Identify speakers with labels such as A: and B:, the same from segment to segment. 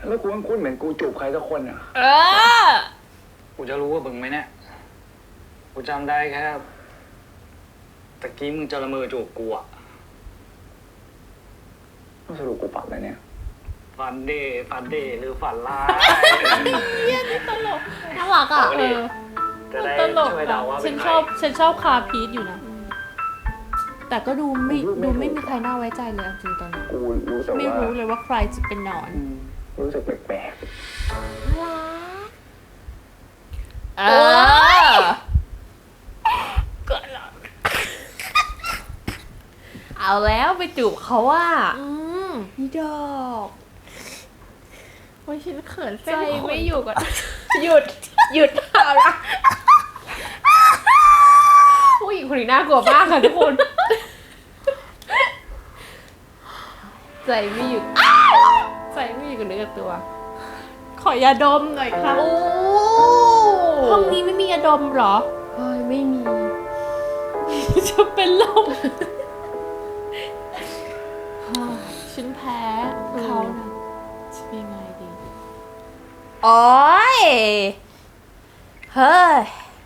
A: แล้วกูคุ้นเหมือนกูจูบใครสักคนอ่ะกูจะรู้ว่ามึงไหมเนี่ยกูจำได้แค่ตะกี้มึงจะละเมอจูบกูอ่ะสรุปกูฝันอะไรเนี่ยฝันเดหรือฝันร้าย
B: นี่ตลกน่ารักอ่ะ
A: จะได้
B: ตลก
A: ช่วยเดาว่า
B: ฉั
A: เป็น
B: น
A: ใคร
B: ชอบคาพีทอยู่นะแต่ก็ดูไม่มีใครน่าไว้ใจเลยจริงตอนนี้
A: กูรู้แต่ว่า
B: ไม่รู้เลยว่าใครจะเป็นหนอน
A: รู้สึกแปลก
B: เออเอาแล้วไปจูบเขาว่านี่ดอกโอ้ยฉันเขินใจไม่อยู่ก่อนหยุดเอาละผู้หญิงคนนี้น่ากลัวมากค่ะทุกคนใจไม่อยู่กับเนื้อกับตัว ขอยาดมหน่อยครับห้องนี้ไม่มียาดมเหรอเฮ้ยไม่มี จะเป็นลมฉันแพ้เขานะจะเป็นยังไงดีโอ้ยเฮ้ย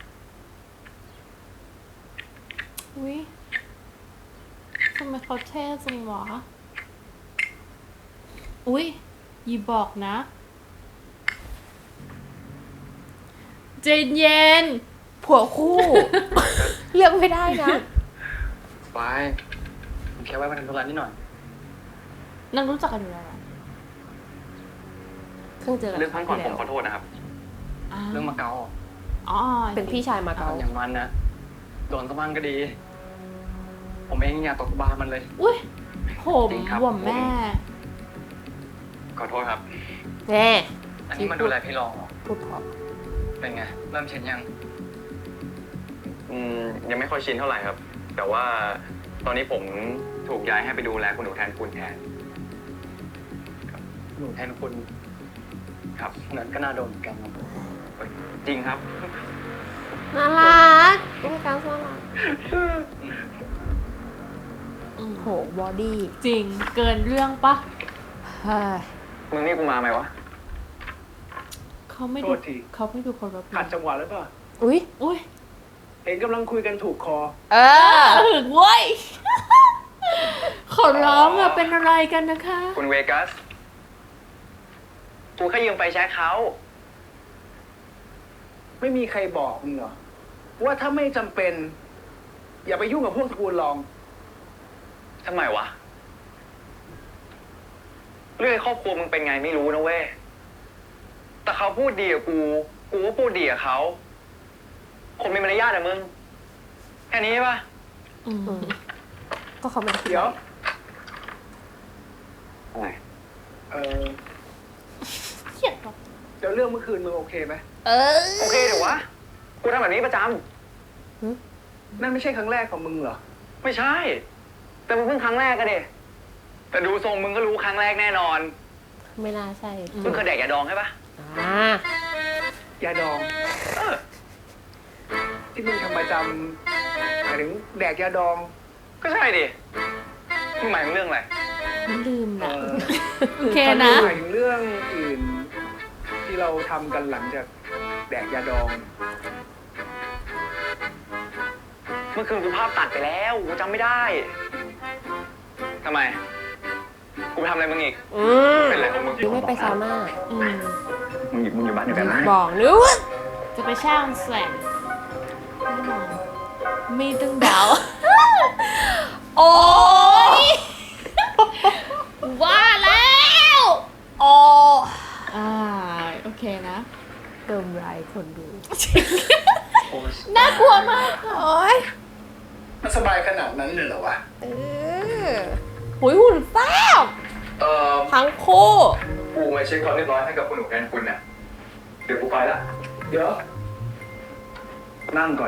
B: อุ๊ยทำไมเขาเท่จังวะอุ๊ยอย่าบอกนะเจนเย็นผัวคู่ เลือกไม่ได้นะ
A: ๆไปแค่ไว้มาทำธุระนิดหน่อย
B: นั่งรู้จักกันอยู่แล้วเหรอเพิ่งเจอกัน
A: เรื่องครั้งก่อน
B: ที่
A: ผม
B: แล้ว
A: ขอโทษนะครับ เรื่องมาเก๊า
B: อ๋อ
C: เป็นพี่ชายมาเก๊า
A: อย่างมันนะโดนสะบ้างก็ดี ผมเองอยากตกบามันเลย
B: อุ้ยผม
A: จริงครับ
B: หว่มแม่
A: ขอโทษครับ
C: แน่
A: อันนี้มาดูแลพี่รอง
C: พูดเพราะ
A: เป็นไง เริ่มชินยัง ยังไม่ค่อยชินเท่าไหร่ครับ แต่ว่าตอนนี้ผมถูกย้ายให้ไปดูแลคุณหนูแทนคุณแทนหนูแทนคุณครับนั้นก็น่าโดนเหมือนกันครับจริงครับ
C: น่ารักเป็นการน่ารักโหบอดี้
B: จริงเกินเรื่องปะ
C: เฮ้ย
A: มึงนี่กูมาไหมวะ
B: เขาไม่
D: โท
B: ดู
D: ษที
B: เขาไม่ดูคนแบบ
D: ขัดจังหวะหรือเปล่า
C: อุ้ย
B: อุ้ย
D: เห็นกำลังคุยกันถูกคอ
C: เออ
B: ถึงเว้ย ขอร้องอะเป็นอะไรกันนะคะ
A: คุณเวกัส กูแค่ยืมไฟแช็คเขา
D: ไม่มีใครบอกมึงเหรอ ว่าถ้าไม่จำเป็น อย่าไปยุ่งกับพวกตระกูลรอง
A: ทำไมวะ เรื่องครอบครัวมึงเป็นไงไม่รู้นะเว้ย แต่เขาพูดดีกับกู กูก็พูดดีกับเขา คนมีมารยาทอะมึง แค่นี้ปะ
C: ก็เขาเป็น
D: เดี๋ยว
A: อะไร
B: เขียดหรอ
D: เดี๋ยวเรื่องเมื่อคืนมึงโอเคไหม
A: โอเคเดี๋ยววะ กูทำแบบนี้ประจ
D: นั่นไม่ใช่ครั้งแรกของมึงเหรอ
A: ำ ไม่ใช่ แต่มึงเพิ่งครั้งแรกอะเดแต่ดูทรงมึงก็รู้ครั้งแรกแน่นอน
C: ไม่น่าใช่
A: มึงเคยแดกยาดองใช่ปะ
D: ยาดอง ที่มึงทำประจำหมายถึงแดกยาดอง
A: ก็ใช่ดิ มึงหมายถึงเรื่องอะไร
B: ไม่ลืม
D: เอ
B: นะ
D: อ
B: โอเคนะ
D: หมายถึงเรื่องอื่น ที่เราทำกันหลังจากแดกยาดอง
A: เมื่อคืนกูภาพตัดไปแล้ว กูจำไม่ได้ ทำไม กูไปทำอะไรมึงอีก เป็นอะไรของมึง
C: หรือไม่ไปซาวน่า
A: มึงอยู่บ้านเดียวกันนะ
C: บอกหรือว่า
B: จะไปช่างแสงแน่นอนมีตึงดาว โอ้ยว่าแล้วโอ้โอเคนะ
C: เติมรายคนดู
B: น่ากลัวมากค่ะ
C: โอ้ย
D: มันสบายขนาดนั้นเลยเหรอวะ
C: หุ่นแซ่บทั้งคู่
A: กูมาเช็คความเรียบร้อยให้กับคุณหนูแทนคุณเนี่ยเดี๋ยวกูไปละ
D: เดี๋ยว นั่งก่อน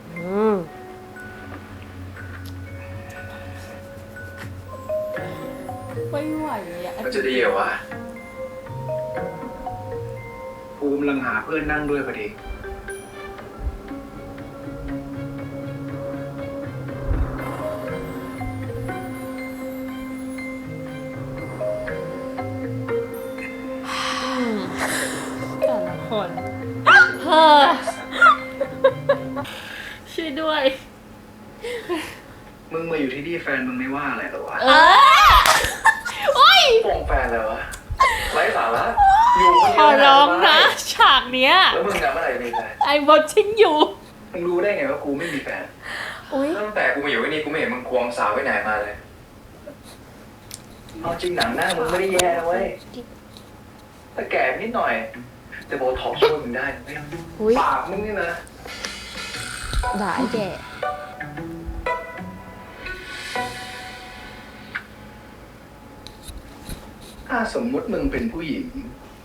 B: ไม่ไหวอ่ะ
A: มันจะดีเหรอวะ
D: กูกำลังหาเพื่อนนั่งด้วยพอดี
B: คนเฮ้อช่วยด้วย
D: มึงมาอยู่ที่นี่แฟนมึงไม่ว่าอะไรหรอวะ
B: โอ้ย
D: โป่งแฟนเลยวะไร้สาระอยู่คน
B: ข
D: เดียว
B: อร้องนะฉากเนี้ย
D: แล้วมึงอะเมื่อไหร่จะมีแฟน
B: I watching you
D: มึงรู้ได้ไงว่ากูไม่มีแฟน
C: อุ้ย
D: ตั้งแต่กูมาอยู่ที่นี่กูไม่เห็นมึงควงสาวไว้ไหนมาเลยเอาจริงหนังหน้ามึงไม่ได้แย่เว้ยแต่แก่นิดหน่อยแต่โบท็อกซ์ช่วยมึงได้เว้ย
C: อุ้ย
D: ปากมึงนี่นะ
C: ด่าไอ้แก่
D: ถ้าสมมุติมึงเป็นผู้หญิง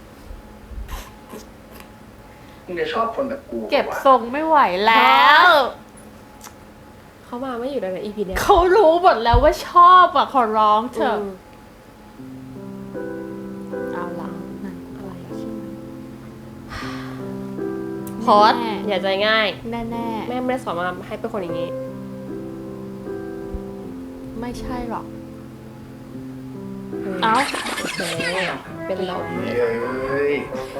D: มึงจะชอบคนแบบกู
B: เก็บ
D: ปะวะ
B: ทรงไม่ไหวแล้ว
C: เขามาไม่อยู่ในอีพีเนี้ย
B: เขารู้หมดแล้วว่าชอบอ่ะ ขอร้องเถอะ
C: มเอาละนั่นอะไรอะชื่อพอดอย่าใจง่าย
B: แน่
C: แม่ไม่ได้สอนมาให้เป็นคนอย่างนี้
B: ๆ ไม่ใช่หรอก
C: เอ้า
B: เอ้า
C: โอเคเป็นลม
D: เฮ้ย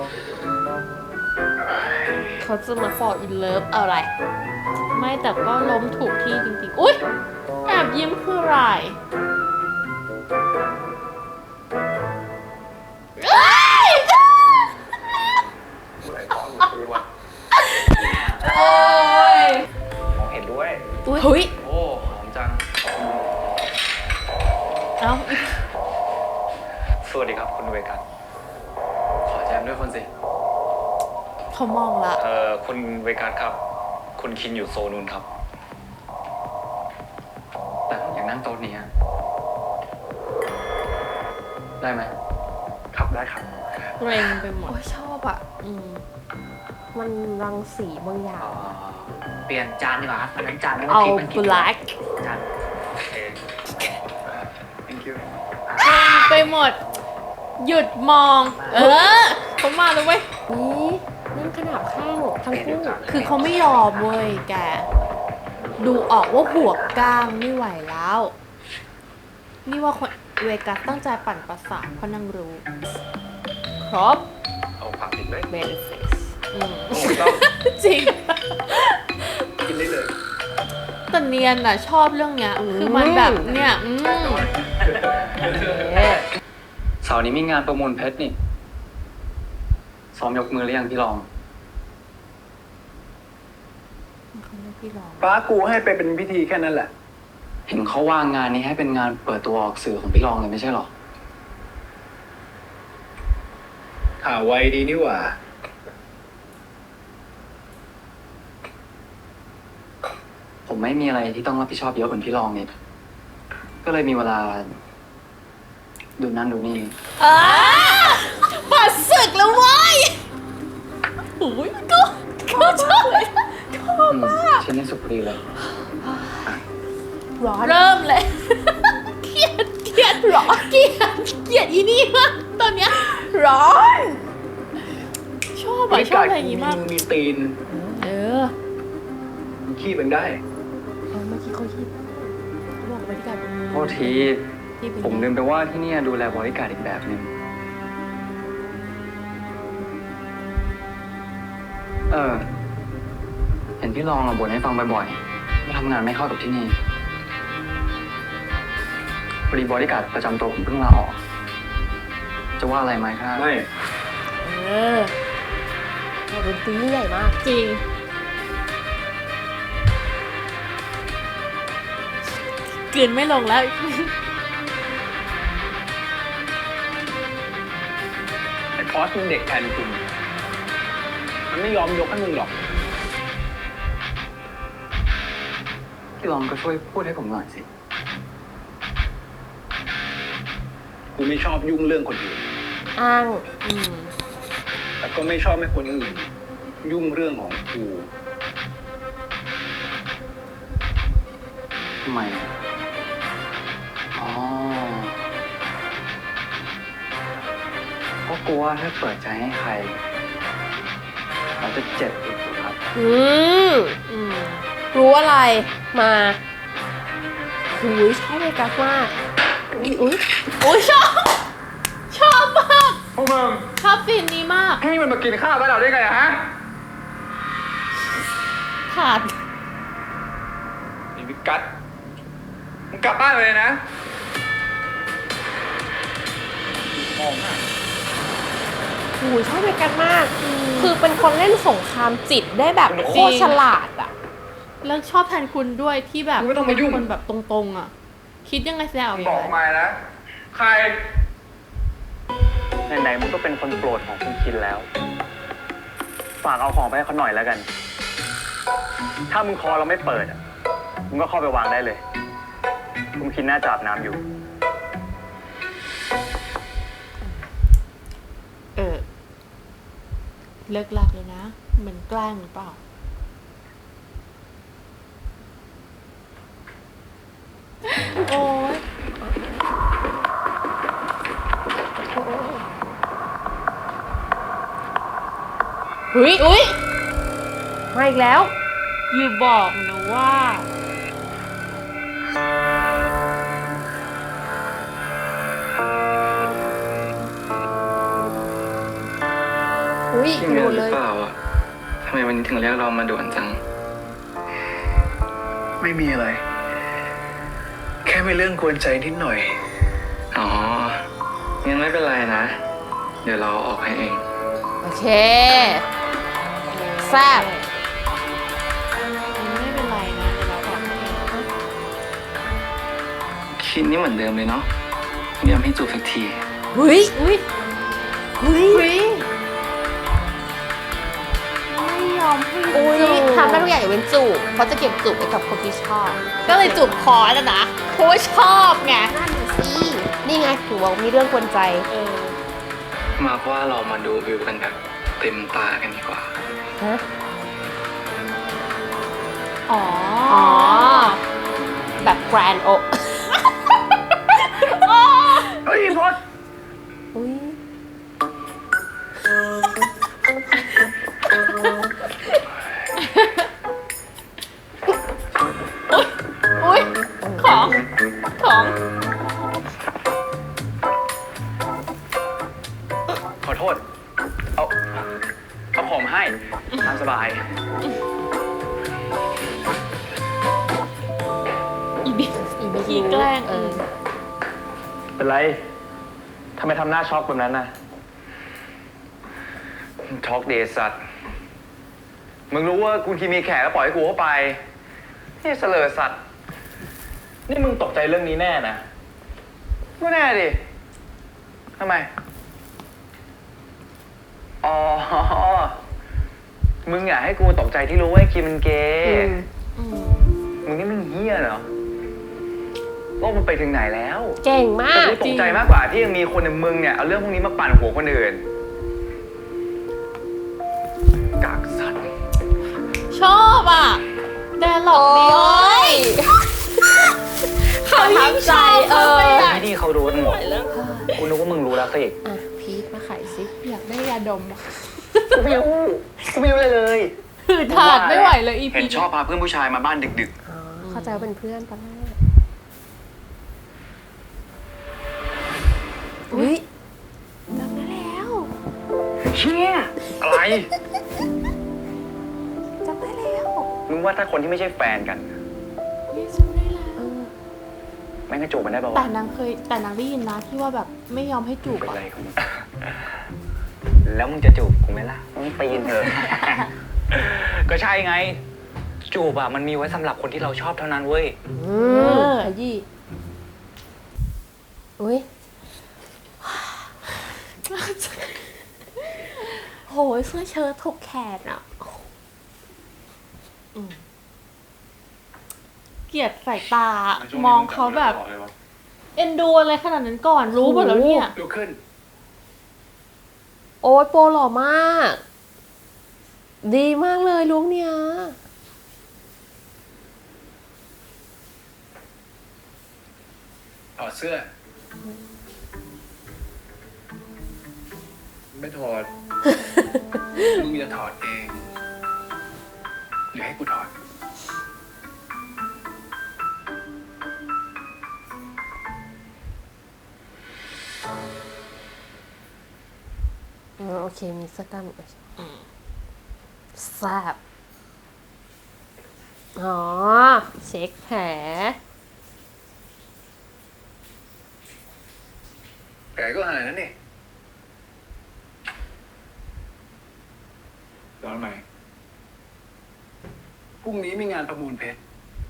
C: เขาจะมา fall in love เอาอะไร
B: ไม่แต่ก็ล้มถูกที่จริงๆ อุ๊ย แอบยิ้มคืออะไรเอ้ย
D: อะไรของมึงวะ
B: โอ้ย
A: มองเห็นด้วย
C: อุ้ยเฮ้ย
A: โอ้หอมจัง
B: เอ้า
A: สวัสดีครับคุณเวกัน ขอแจมด้วยคนสิ
B: เขามองละ
A: คุณเวกันครับ คุณคินอยู่โซนนู้นครับ แต่ผมอยากนั่งโต๊ะนี้อะได้ไหมครับได้ครับ
B: เกรงไปหมด
C: โอ้ยชอบอ่ะ
B: อืม
C: มันรังสีบางอย่าง
E: เปลี่ยนจานดีกว่าครับอันนั้นจานไม่
C: เอา
E: คิดมันคิด
C: black
E: จาน
A: โอเค thank you
B: เกรงไปหมด หยุดมอง เออเขามาแล้วเว้ย
C: นี่นั่นขนาดข้างทั้งคู่
B: คือเขาไม่ยอมเว้ยแก ดูออกว่าหัวก้างไม่ไหวแล้ว นี่ว่าคนเวกัสตั้งใจปั่นประสาทเพราะนางรู้ ครบ
A: เอาผักติดไหม
C: benefits
B: อืม
A: โอ้ไม่ต้อง
B: จริง
D: กินได้เลย
B: แต่เนียนอ่ะ ชอบเรื่องเนี้ย คือมันแบบเนี่ย
C: เอ๊ะ
A: เสาร์นี้มีงานประมูลเพชรนี่ ซ้อมยกมือหรือยังพี่รอง
B: เขาเรียกพี่รอง
D: ป้ากูให้ไปเป็นพิธีแค่นั้นแหละ
A: เห็นเขาว่างงานนี้ให้เป็นงานเปิดตัวออกสื่อของพี่รองเลยไม่ใช่หรอ
D: ข่าวไวดีนี่หว่า
A: ผมไม่มีอะไรที่ต้องรับผิดชอบเยอะเหมือนพี่รองนี่ ก็เลยมีเวลา ดูนั่นดูนี่
B: ปัดศึกแล้วเว้ยโอ้ยก็ชอบเลย
A: ชิ้นนี้สุดพอดีเลย
C: ร้อน
B: เริ่มเลย เกลียดร้อนเกลียดอีนี่มากตอนเนี้ยร้อน ชอบอะชอบอะไรอย่างงี้มาก
D: มีตีน
B: เออ
D: มึงขี้มันได้
C: เมื่อกี้เขาคิดเขาบอกบริการ
A: โทษที
B: ที่เป็น
A: ผมลืมไปว่าที่เนี่ยดูแลบริการอีกแบบหนึงเห็นพี่รองบ่นให้ฟังบ่อยๆว่าทำงานไม่เข้ากับที่นี่พอดีบริการประจำตัวผมเพิ่งลาออก จะว่าอะไรไหมครับ
D: ไม่
B: เออ
C: ดนตรีใหญ่มาก
B: จริง กลืนไม่ลงแล้ว
D: ไอ้พอสมึงเด็กแทนคุณมันไม่ยอมยกให้มึงหรอก
A: พี่รองก็ช่วยพูดให้ผมหน่อยสิ
D: กูไม่ชอบยุ่งเรื่องคนอื่น
C: อ้าง
B: อืม
D: แต่ก็ไม่ชอบให้คนอื่น ยุ่งเรื่องของกู
A: ทำไมอะอ๋อ ก็กลัวถ้าเปิดใจให้ใคร เราจะเจ็บอีกครับ
C: อืม
B: อืม
C: รู้อะไร มาหูยชอบเวกัสมาก อุ้ย
B: โอ้ยชอบ ชอบมาก
D: เพราะ
A: มึง
B: ชอบซีนนี้มาก
A: ให้มันมากินข้าวบ้านเราได้ไงอะฮะ
B: ขาด
A: ไอ้วิกัสมึงกลับบ้านไปเลยนะมองหน้า
C: โอ้ยชอบเมกันมาก คือเป็นคนเล่นสงครามจิตได้แบบโคตรฉลาดอ่ะ
B: แล้วชอบแทนคุณด้วยที่แบบ
A: มึงไม่ต้องมายุ่ง
B: เป็นคนแบบตรงๆอ่ะ คิดยังไงแซว
A: มึงบอกมานะ ใครไหนๆมึงก็เป็นคนโปรดของคุณคินแล้ว ฝากเอาของไปให้เขาหน่อยแล้วกัน ถ้ามึงคอเราไม่เปิดอ่ะ มึงก็เข้าไปวางได้เลย คุณคินน่าจะอาบน้ำอยู่
B: เลิกลักเลยนะเหมือนแกล้งหรือเปล่า โอ้ย
C: อุ้ยมาอีกแล้ว
B: อย่าบอกนะว่า
C: อุ้ย
F: พี่
C: กระ
F: เมี
C: โด
F: ย
C: ด
F: ห
C: เล
F: รือย เปล่าอ่ะ ทำไมวันนี้ถึงเรียกเรามาด่วนจัง
D: ไม่มีอะไร แค่มีเรื่องกวนใจนิดหน่อย
F: อ๋อ งั้นไม่เป็นไรนะ เดี๋ยวเราออกให้เอง
C: โอเค แซ่บ
B: ไม่เป็นไรนะเดี๋ยวเราบอกให้
F: คิดนี่เหมือนเดิมเลยเนาะไม่ยอมให้จูบสักที
C: อุ้ย
B: อุ้ย
C: อุ้ย
B: อุ้ยไม่ยอมให้
C: อุ้ย
B: จูบ
C: ทำได้ทุกอย่างยกเว้นจูบเพราะจะเก็บจูบไว้กับคนที่ชอบ
B: ก็เลยจูบคอแล้วนะเพราะว่าชอบไง
C: นั่นสิ นี่ไงถือว่ามีเรื่องกวนใจ
B: เออ
F: มาว่าเรามาดูวิวกันแบบเต็มตากันดีกว่า
C: ฮะ
B: อ๋อ
C: อ๋อ แบบแกรนโอ
A: เฮ้ยพด
C: อุ้ย
B: อุ้ยของ
A: ขอโทษ เอาของให้ตามสบาย
B: อีบี
C: อีบี
B: ขี้แกล้ง
C: เออ
A: เป็นไร ทำไมทำหน้าช็อกแบบนั้นน่ะ ช็อกเดสัตว์ มึงรู้ว่าคุณคีมีแขกแล้วปล่อยให้กูเข้าไปนี่เสลอสัตว์ นี่มึงตกใจเรื่องนี้แน่นะก็แน่ดิ ทำไม อ๋อ มึงอยากให้กูตกใจที่รู้ว่าไอ้คีมันเกย์
B: อืม
A: มึงนี่มึงเฮี้ยเหรอ โลกมันไปถึงไหนแล้ว
C: เก่งมา
A: แต่
C: ก
A: กูตกใจมากกว่าที่ยังมีคนอย่างมึงเนี่ยเอาเรื่องพวกนี้มาปั่นหัวคนอื่น กากสัตว์
B: ชอบอ่ะแต่หลอกดี
C: โอ๊ย
B: เขายิ่งชอบ
C: เออ
B: เข้าไปใหญ่
A: ที่เขารู้กันหมดกูนึกว่ามึงรู้แล้วสิ
C: อ่ะ พีทมาขายซิ
B: อยากได้ยาดมอะ
A: กูไม่รู้เลย
B: ถือถาดไม่ไหวเลยอี
A: เห็
B: พี
A: นชอบพาเพื่อนผู้ชายมาบ้านดึก
C: อ๋อ เข้าใจว่าเป็นเพื่อนตอนแรกอุ้ยจำได้แล้ว
A: ๆ เชี่ยอะไร
C: จำได้แล้ว
A: มึงว่าถ้าคนที่ไม่ใช่แฟนกัน
B: นี่จำได้แล้ว
C: เออ
A: แม่งกระจูบมันได้ป่าว
B: แต่
A: วะ
B: นางได้ยินนะที่ว่าแบบไม่ยอมให้จูบ
A: เป็น
B: อ่ะ
A: ไรของมึงแล้วมึงจะจูบกูไหมล่ะมึงปีนเถอะ ก็ใช่ไง จูบอะมันมีไว้สำหรับคนที่เราชอบเท่านั้นเว้ย
C: ขยี้อุ้ย โหยเสื้อเชิ้ตถกแขนอ่ะ
B: เกลียดสายตามองเขาแบบ เอ็นดูอะไรขนาดนั้นก่อนรู้หมดแล้วเนี่ย
A: ดูขึ้น
C: โอ๊ยโปรหล่อมาก ดีมากเลยลุคเนี้ย
D: ถอดเสื้อ ไม่ถอด มึงจะถอดเอง หรือให้กูถอด
C: โอเคมีเสื้อกล้ามแซ่บอ๋อเช็คแผล
D: แกก็หายแล้วนี่ตอนไหนพรุ่งนี้มีงานประมูลเพชร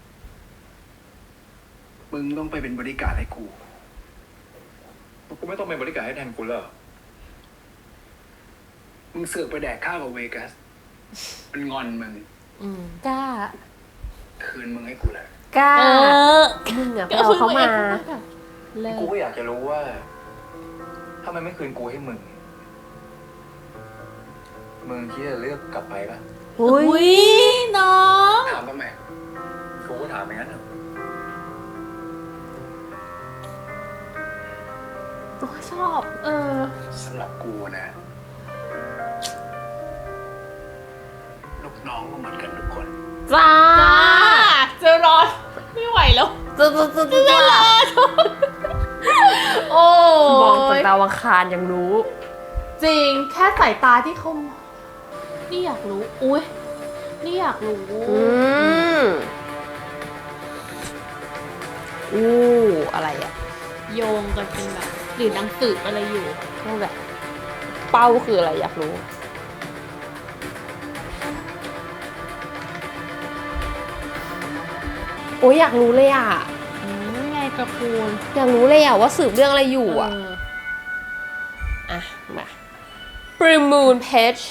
D: มึงต้องไปเป็นบริการดให้กู
A: กูไม่ต้องเป็นบริการให้แทนกูเลย
D: มึงเสือกไปแดกข้าวกับเวกัส มันงอนมึง
C: กล้า
D: คืนมึงให้กูเลย
C: กล้ามึงอะไปเอาเขามา
B: เลิก
A: กูก็อยากจะรู้ว่าถ้ามันไม่คืนกูให้มึง มึงคิดจะเลือกกลับไปปะ
C: อุ้
B: อุ้
C: ย
B: ยน้อง
D: ถามทำไม
A: กูก็ถามอย่างนั้นเหรอ
C: โอ้ยชอบ
D: สำหรับกูนะ ลูกน้องก็เหมือนกันทุกคน
C: จ้า
B: จ้าเจะรอไม่ไหวแล้ว
C: จ้า
B: โอ้
C: มองจาก
B: ย
C: ดาวอังคารยังรู้
B: จริงแค่สายตาที่เขานี่อยากรู้ อุ้ยนี่อยากรู้
C: อู้อะไรอ่ะ
B: โยงกันเป็นแบบหรือนางสืบอะไรอยู่
C: นั่นแหละเป้าคืออะไรอยากรู้ โอ้ยอยากรู้เลยอ่ะ
B: ไงกระพูน
C: อยากรู้เลยอ่ะว่าสืบเรื่องอะไรอยู่อ่ะ อ่ะ มา Premoon Page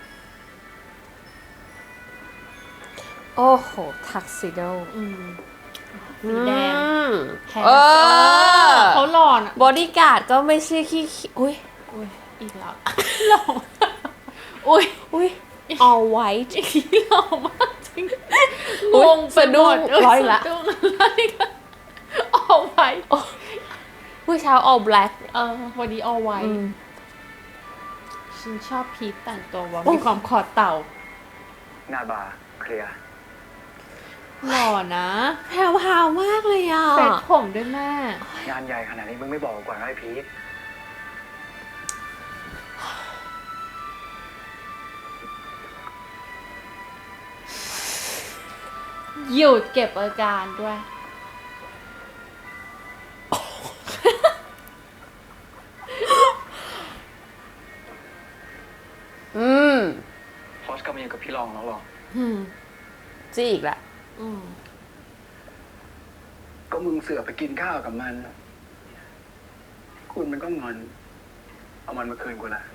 C: โอ้โห Tuxedo
B: สีแดงแทน
C: เออ
B: เขาหล่อนอะ
C: บอดี้การ์ดก็ไม่ใช่ขี้อุ้ย
B: อุ้ยอีกแล้ว หล่ออุ้ย
C: อุ้ย all white
B: อีกหล่อมากจริง
C: อุ๊ย
B: งไปหมด
C: สะดุ้งร้อยละ
B: สะดุ้งอะไรกันเอาไว้
C: ผู้เช้า all black
B: วันนี้เอาไว้
C: อืม
B: ฉันชอบพีทแต่งตัวว่ามีความขอดเต่า
A: หน้าบาร์เคลียร์
B: หล่อนะ
C: แพรวพราวมากเลยอ่ะ
B: เซ็ตผมด้วยแม่
A: งานใหญ่ขนาดนี้มึงไม่บอกกูก่อนนะไอ้พีท
B: หยุดเก็บอาการด้วย
C: อืม
A: พอสกลับมาอยู่กับพี่รองแล้วหรอ
C: จี้อีกละ
D: ก็มึงเสือกไปกินข้าวกับมัน คุณมันก็งอน เอามันมาคืนกูละ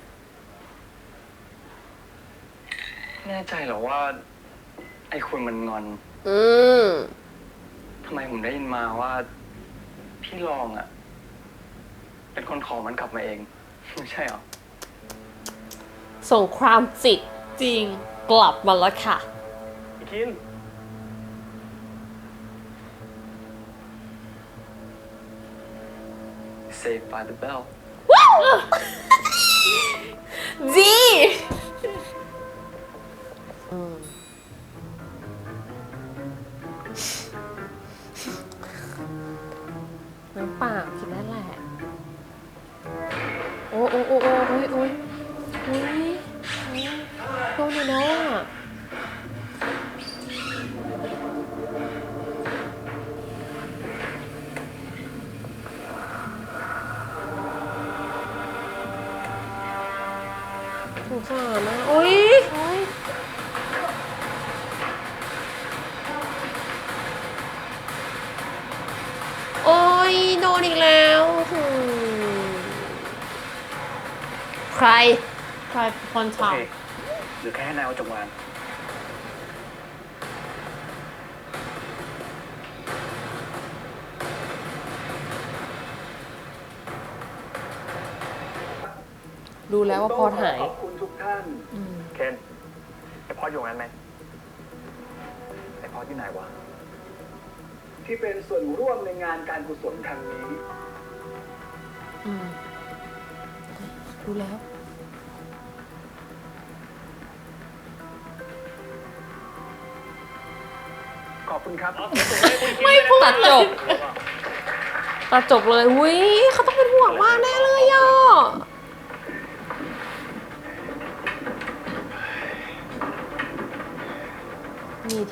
A: แน่ใจเหรอว่า ไอ้คุณมันงอน
C: อืม
A: ทำไมผมได้ยินมาว่า พี่รองอ่ะ เป็นคนขอมันกลับมาเอง ไม่ใช่เหรอ
C: สงครามจิต
B: จริง
C: กลับมาแล้วค่ะ
A: คิน Saved by the bell
C: ดีน้ำเปล่ากินได้แหละ โอ้โอ้โอ้โอ้โอ้ยโอ้ยโอ้ยโดนอยู่แล้วอ่ะสงสารนะโอ้ยโอ้ยโดนอีกแล้วใคร
B: ใครเป็นคน
A: โอ
B: ท
A: เคหรือแค่ให้นายเอาจบงาน
C: ดูแล้วว่าพอหาย
D: ขอบคุณทุกท่าน
A: เคนไอพอดอยู่งั้นไหมไอพอดที่ไหนวะ
D: ที่เป็นส่วนร่วมในงานการกุศลครั้งนี้
C: ดูแล้ว
A: ขอบคุณครับ
B: ำไม่พูด
C: ตัด
B: เล
C: จ
B: ย
C: บ ตัดจบเลยอุ้ยเขาต้องเป็นห่วงมากแน่เลยอ่ะ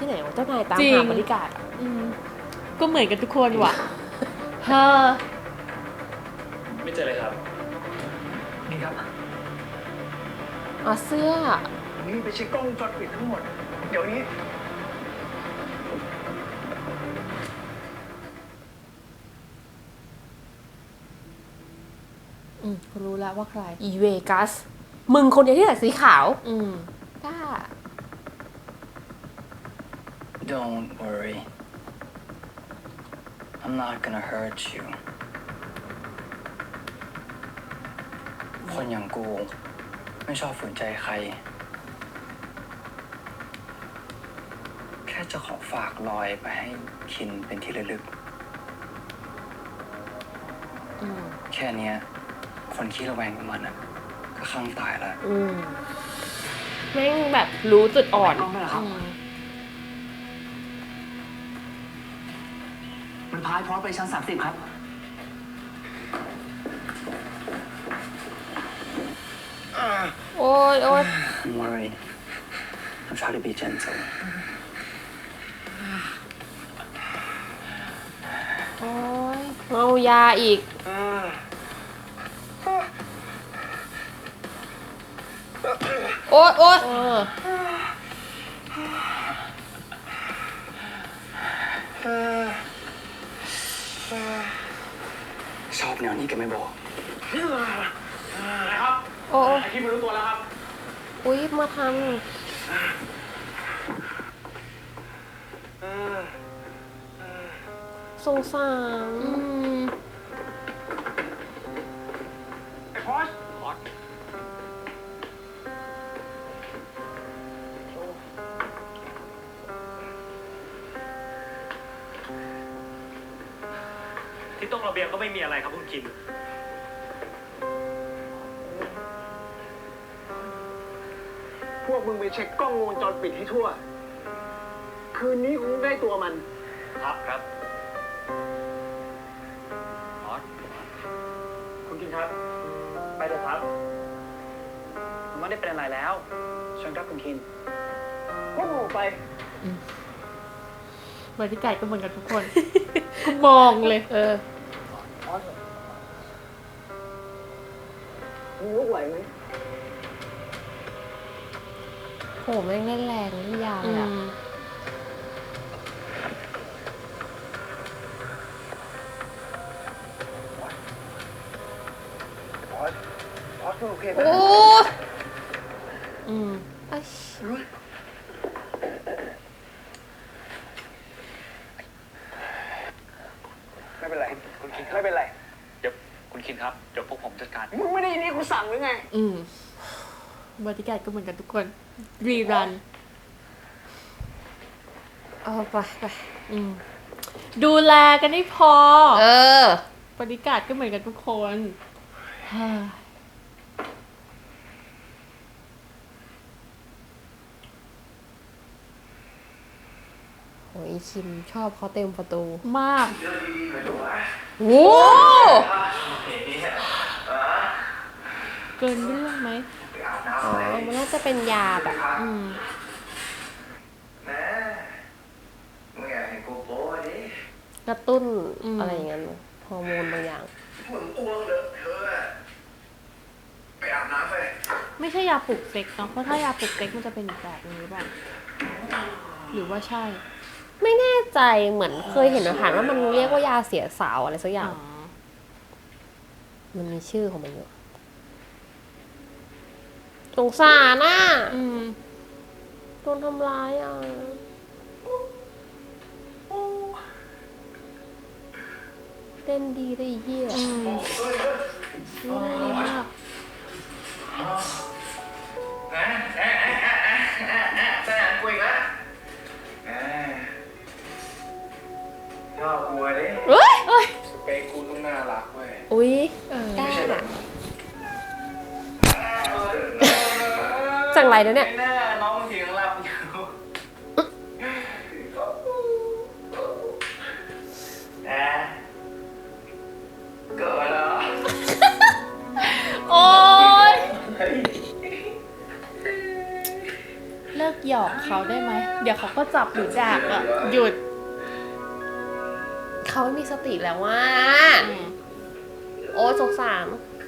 C: ไหนวะเจ้านายตาม
B: จริง
C: หาบริการดอะ
B: อืมก็เหมือนกันทุกคนว่ะเฮอ
A: ไม่เจอเลยครับ
D: นี่ครับ
C: อ๋อเสื้อ
D: นี่ไปเช็คกล้องวงจรปิดทั้งหมด เดี๋ยวนี้
B: รู้แล้วว่าใคร
C: อีเวกัส มึงคนเดียวที่ใส่สีขาว
B: อืม
C: กล้า
F: Don't worry I'm not gonna hurt you คนอย่างกู ไม่ชอบฝืนใจใคร แค่จะขอฝากรอยไปให้คินเป็นที่ระลึก
B: อืม
F: แค่เนี้ย คนขี้ระแวงกับมันอ่ะ ก็ข้างตายแล้ว
C: อืมแม่งแบบรู้จุดอ่อน
D: กล้องด้วยเหรอครับ
B: อืม
D: มันพายพร้อมไปชั้น 30 ครับ
C: โอ้ยโอ้ย
F: Don't worry I'll try to be gentle
C: โอ้ยเอายาอีก โอ๊ยโอ๊ย
F: ชอบแนวนี้แกไม่บอก
C: โอ้ย
D: ไอที่ไม่รู้ตัวแล้วครับ
C: อุ๊ย มาทำสงสาร
B: อืม
D: ไอ้พอสพอส
G: ที่ตรงระเบียงก็ไม่มีอะไรครับคุณคิม
D: พวกมึงไปเช็คกล้องวงจรปิดให้ทั่ว คืนนี้คงได้ตัวมัน
G: ครับ
D: คุณกินครับ ไปเถอะครับ
E: ผมไม่ได้เป็นอะไรแล้วเชิญครับคุณคิน
D: พวกมึงออกไป
B: บริการก็เหมือนกันทุกคน ก็มองเลย
C: เออ
D: มึงลุกไหวไหม
C: โห แม่งเล่นแรงเล่นยาว
B: อื
C: เลยอะ
B: ม
D: พอสพอสมึงโอเคไหม
C: โอ้ย
B: อืม
C: ไอ้
D: ไม่เป็นไร คุณคินไม่เป็นไร
G: เดี๋ยวคุณคินครับ เดี๋ยวพวกผมจัดการ
D: มึงไม่ได้ยินที่กูสั่งหรือไง
B: อืมบริการก็เหมือนกันทุกคน รีรัน
C: เอาไปไป
B: อืม ดูแลกันให้พอ
C: เออ
B: บริการก็เหมือนกันทุกคนเฮ้ย
C: โอ้ยคิมชอบเขาเต็มประตู
B: มาก
C: โอ้
B: เกินเรื่องไหม
C: อ๋อมันน่าจะเป็นยาแบบ
B: อืม
D: นะมึงอยากเห็นกูโป้ดิ
C: กระตุ้น
B: อืม
C: อะไรอย่างเงี้ยฮอร์โมนบางอย่าง
D: มึงอ้วกเลอะเธอะไปอาบน้ำไป
B: ไม่ใช่ยาปลุกเซ็กเนาะ เพราะถ้ายาปลุกเซ็กมันจะเป็นอีกแบบนึงหรือเปล่า หรือว่าใช่
C: ไม่แน่ใจเหมือนเคยเห็นอาหารว่ามันเรียกว่ายาเสียสาวอะไรสักอย่าง มันมีชื่อของมันอยู่สงสารน่ะ
B: อืม
C: โดนทำร้ายอ่ะเต้นดีได้เหี้ย
B: อืมดีมาก
D: สนามกูอีกแล้วชอบกลัวดิ
C: เอ้ย
D: เปย์กูต้องน่ารักเว้ย
C: อุ๊ย
B: เออ
C: กล้าจังไรเดี๋ยวเนี่ย
D: แน่น้องมึงถึงหลับอยู่แอะเกิดแล้ว
B: โอ๊ย เลิกหยอกเขาได้ไหม เดี๋ยวเขาก็จับหรือดักอ่ะ หยุด
C: เขาไม่มีสติแล้วว่า โอ้สงสาร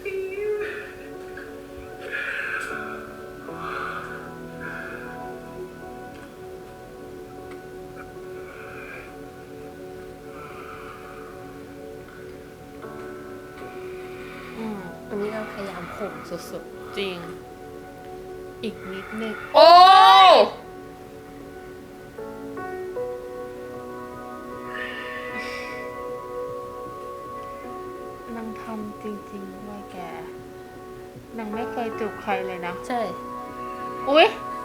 C: อันนี้เราพยายามข่มสุด
B: จริง อีกนิดนึง
C: ๆ โอ้
B: นางทำจริงๆด้วยแก นางไม่เคยจูบใครเลยนะ
C: ใช่
B: อุ๊ย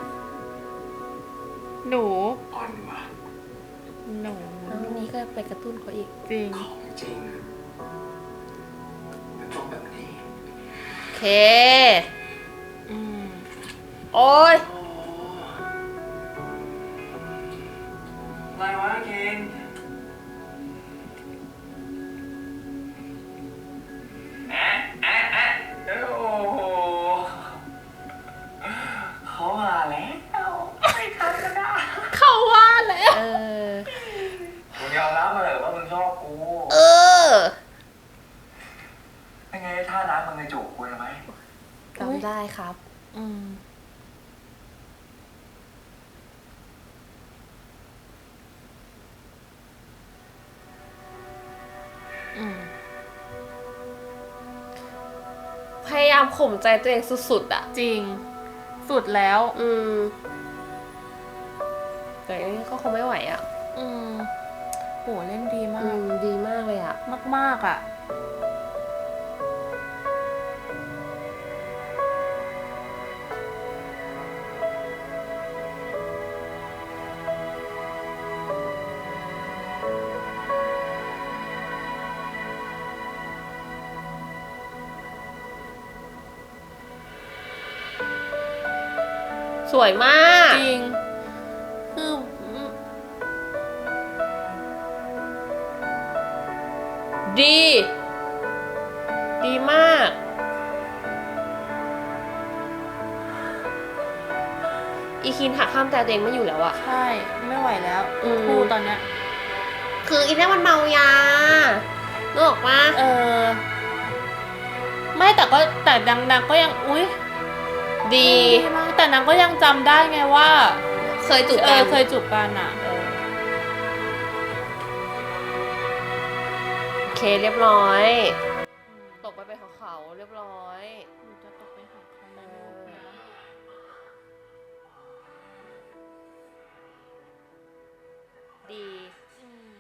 B: หนู
F: อ่อนว่ะ
B: หนู
C: แล้ววันนี้ก็ไปกระตุ้นเขาอีก
B: จริง
F: ของจริงมันต้องแบบนี้
C: โอเค
B: อืม
C: โอ้ย
F: อะไรวะเคนโอ้โหเขามาแล้ว
B: เขาว่าแล้ว
C: เออ
F: มึงยอมรับมาเลยว่ามึงชอบกู
C: เออ
F: ยังไงท่าน้ำมึงในจูบกูใช่ไหม
C: จำได้ครับ
B: อืม อืม
C: พยายามข่มใจตัวเองสุดๆ อ่ะ
B: จริง สุดแล้ว
C: แต่อันนี้ก็คงไม่ไหวอ่ะ
B: อืมโหเล่นดีมา
C: อื
B: ก
C: ม ดีมากเลยอ่ะ
B: มากๆอ่ะ
C: สวยมาก
B: จริง คือ
C: ดี ดีมาก อีคินหักข้ามใจตัวเองไม่อยู่แล้วอะ
B: ใช่ ไม่ไหวแล้ว
C: อืม
B: คู่ตอนเนี้ย
C: คืออีเนี่ยมันเมายานึกออกปะ
B: เออ ไม่แต่ก็แต่ดังๆก็ยัง อุ๊ย
C: ดี
B: มากแต่นางก็ยังจำได้ไงว่า
C: เคยจูบ
B: เอ
C: กั
B: อน เคยจูบกันอ่ะ
C: โอเคเรียบร้อย ตกไปเป็นของเขาเรียบร้อย
B: หนูจะตกไปหาเขาในโลกนะ
C: ดี
B: อืม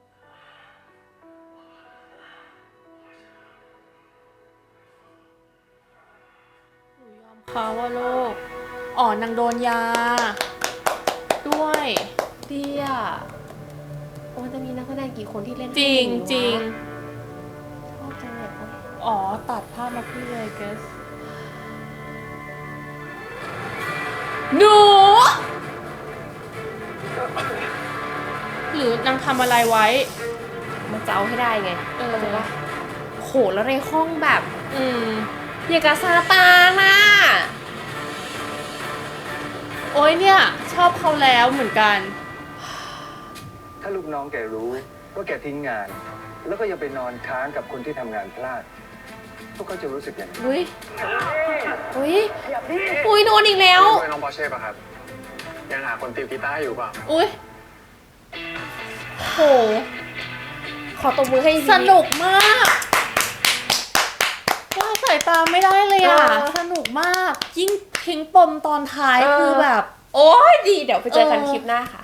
B: หนูยอมเขาว่าโลก อ๋อนางโดนยา ด้วย
C: ดีอ่ะโอ้ยจะมีนักแสดงกี่คนที่เล่น
B: จริง
C: ได้
B: จริง
C: ชอบจังเลยโอ๊ย
B: อ๋อ ตัดภาพมาที่เลยเกสหนู หรือนางทำอะไรไว้
C: มันจะเอาให้ได้ไง
B: เออ
C: เข้าใจปะโหแล้วในห้องแบบ
B: อืม
C: อย่างกับซาตานอ่ะ
B: โอ้ยเนี่ย ชอบเขาแล้วเหมือนกัน
H: ถ้าลูกน้องแกรู้ว่าแกทิ้งงาน แล้วก็ยังไปนอนค้างกับคนที่ทำงานพลาด พวกเขาจะรู้สึกยังไง
C: อุ้ยอุ้ยอุ้ยโดนอีกแล้ว
F: ด้วยน้องปอร์เช่ป่ะครับ ยังหาคนติวกีตาร์อยู่เปล่า
B: อุ้ยโห
C: ขอตบมือให้
B: สนุกมากว่าสายตาไม่ได้เลยอ่ะ สนุกมาก ยิ่งทิ้งปมตอนท้ายคือแบบ
C: โอ้ยดี เดี๋ยวไปเจอกันคลิปหน้าค่ะ